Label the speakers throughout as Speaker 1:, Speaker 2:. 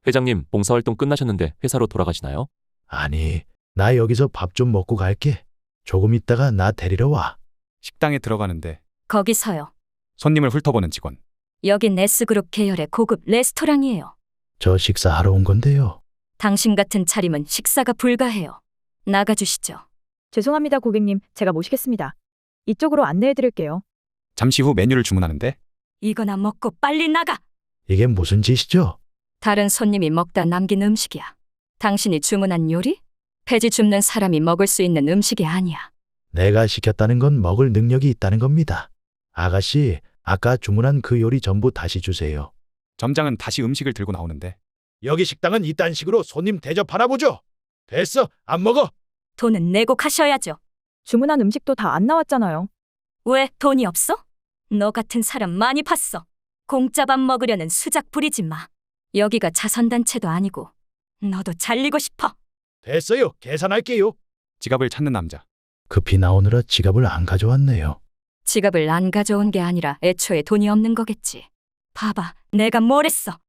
Speaker 1: 회장님, 봉사활동 끝나셨는데 회사로 돌아가시나요?
Speaker 2: 아니, 나 여기서 밥 좀 먹고 갈게. 조금 있다가 나 데리러 와.
Speaker 3: 식당에 들어가는데
Speaker 4: 거기서요.
Speaker 3: 손님을 훑어보는 직원.
Speaker 4: 여긴 S그룹 계열의 고급 레스토랑이에요.
Speaker 2: 저 식사하러 온 건데요.
Speaker 4: 당신 같은 차림은 식사가 불가해요. 나가주시죠.
Speaker 5: 죄송합니다, 고객님. 제가 모시겠습니다. 이쪽으로 안내해 드릴게요.
Speaker 3: 잠시 후 메뉴를 주문하는데
Speaker 4: 이거나 먹고 빨리 나가!
Speaker 2: 이게 무슨 짓이죠?
Speaker 4: 다른 손님이 먹다 남긴 음식이야. 당신이 주문한 요리? 폐지 줍는 사람이 먹을 수 있는 음식이 아니야.
Speaker 2: 내가 시켰다는 건 먹을 능력이 있다는 겁니다. 아가씨, 아까 주문한 그 요리 전부 다시 주세요.
Speaker 3: 점장은 다시 음식을 들고 나오는데
Speaker 2: 여기 식당은 이딴 식으로 손님 대접하나 보죠? 됐어, 안 먹어.
Speaker 4: 돈은 내고 가셔야죠.
Speaker 5: 주문한 음식도 다 안 나왔잖아요.
Speaker 4: 왜 돈이 없어? 너 같은 사람 많이 봤어. 공짜 밥 먹으려는 수작 부리지 마. 여기가 자선단체도 아니고 너도 잘리고 싶어.
Speaker 2: 됐어요, 계산할게요.
Speaker 3: 지갑을 찾는 남자.
Speaker 2: 급히 나오느라 지갑을 안 가져왔네요.
Speaker 4: 지갑을 안 가져온 게 아니라 애초에 돈이 없는 거겠지. 봐봐, 내가 뭘 했어.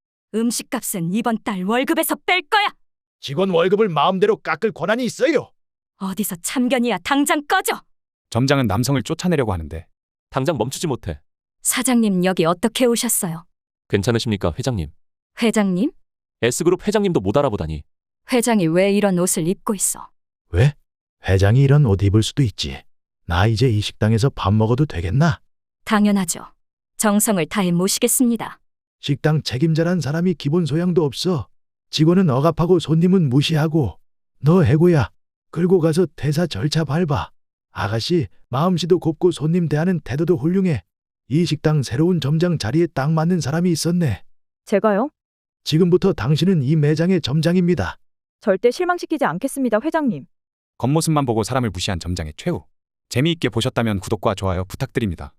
Speaker 4: 음식값은 이번 달 월급에서 뺄 거야.
Speaker 2: 직원 월급을 마음대로 깎을 권한이 있어요.
Speaker 4: 어디서 참견이야. 당장 꺼져.
Speaker 3: 점장은 남성을 쫓아내려고 하는데
Speaker 1: 당장 멈추지 못해.
Speaker 4: 사장님, 여기 어떻게 오셨어요?
Speaker 1: 괜찮으십니까, 회장님?
Speaker 4: 회장님?
Speaker 1: S그룹 회장님도 못 알아보다니.
Speaker 4: 회장이 왜 이런 옷을 입고 있어?
Speaker 2: 왜? 회장이 이런 옷 입을 수도 있지. 나 이제 이 식당에서 밥 먹어도 되겠나?
Speaker 4: 당연하죠. 정성을 다해 모시겠습니다.
Speaker 2: 식당 책임자란 사람이 기본 소양도 없어. 직원은 억압하고 손님은 무시하고. 너 해고야. 끌고 가서 퇴사 절차 밟아. 아가씨, 마음씨도 곱고 손님 대하는 태도도 훌륭해. 이 식당 새로운 점장 자리에 딱 맞는 사람이 있었네.
Speaker 5: 제가요?
Speaker 2: 지금부터 당신은 이 매장의 점장입니다.
Speaker 5: 절대 실망시키지 않겠습니다, 회장님.
Speaker 3: 겉모습만 보고 사람을 무시한 점장의 최후. 재미있게 보셨다면 구독과 좋아요 부탁드립니다.